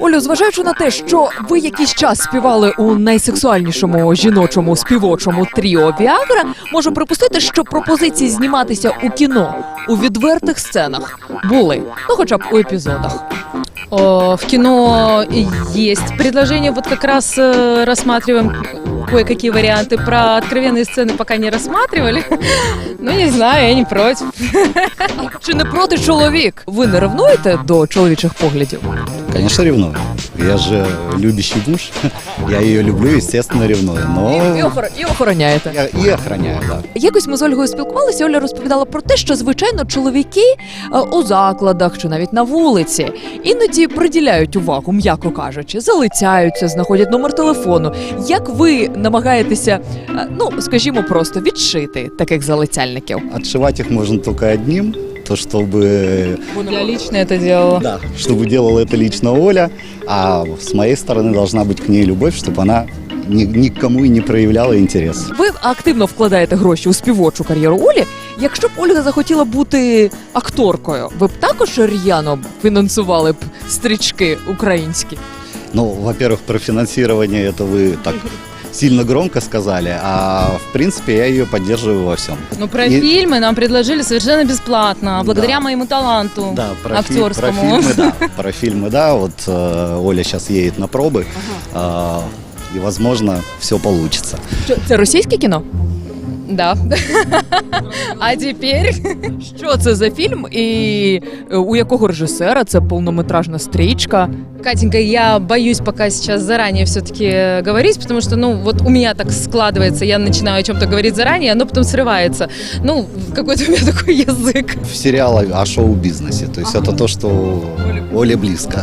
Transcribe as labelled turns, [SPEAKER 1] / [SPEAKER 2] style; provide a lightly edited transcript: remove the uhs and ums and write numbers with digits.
[SPEAKER 1] Олю, зважаючи на те, що ви якийсь час співали у найсексуальнішому жіночому співочому тріо «Віагра», можу припустити, що пропозиції зніматися у кіно у відвертих сценах були, ну хоча б у епізодах.
[SPEAKER 2] В кино есть предложение, вот как раз рассматриваем кое-какие варианты. Про откровенные сцены пока не рассматривали. Ну, не знаю, я не против.
[SPEAKER 1] Чи не проти чоловік? Ви не ревнуєте до чоловічих поглядів?
[SPEAKER 3] Конечно, ревную. Я же любящий муж. Я ее люблю, естественно, ревную. Но
[SPEAKER 1] І охороняєте.
[SPEAKER 3] я и охраняю, да.
[SPEAKER 1] Якось ми з Ольгою спілкувалися, Оля розповідала про те, що, звичайно, чоловіки у закладах чи навіть на вулиці іноді приділяють увагу, м'яко кажучи, залицяються, знаходять номер телефону. Як ви намагаєтеся, ну, скажімо, просто відшити таких залицяльників?
[SPEAKER 3] Отшивать их можно только одним, то чтобы,
[SPEAKER 2] Я лично это делала.
[SPEAKER 3] да, чтобы делала это лично Оля, а с моей стороны должна быть к ней любовь, чтобы она никому и не проявляла интерес.
[SPEAKER 1] Ви активно вкладаєте гроші у співочу кар'єру Олі. Якщо б Ольга захотіла бути акторкою, ви б також р'яно фінансували б стрічки українські?
[SPEAKER 3] Ну, во-первых, про финансирование это вы так сильно громко сказали, а в принципе я ее поддерживаю во всем.
[SPEAKER 2] Ну, про
[SPEAKER 3] И-
[SPEAKER 2] фильмы нам предложили совершенно бесплатно, благодаря
[SPEAKER 3] Да.
[SPEAKER 2] моему таланту
[SPEAKER 3] Да, про
[SPEAKER 2] актерскому.
[SPEAKER 3] фильмы, да. Про фильмы, да. Вот Оля сейчас едет на пробы, и, возможно, все получится.
[SPEAKER 1] Що, це російське кіно?
[SPEAKER 2] Да. А теперь...
[SPEAKER 1] Що це за фільм і у якого режисера? Це повнометражна стрічка.
[SPEAKER 2] Катенька, я боюсь пока сейчас заранее все-таки говорить, потому что, ну, вот у меня так складывается, я начинаю о чем-то говорить заранее, оно потом срывается. Ну, какой-то у меня такой язык.
[SPEAKER 3] В сериале о шоу-бизнесе. То есть это то, что Оле близко.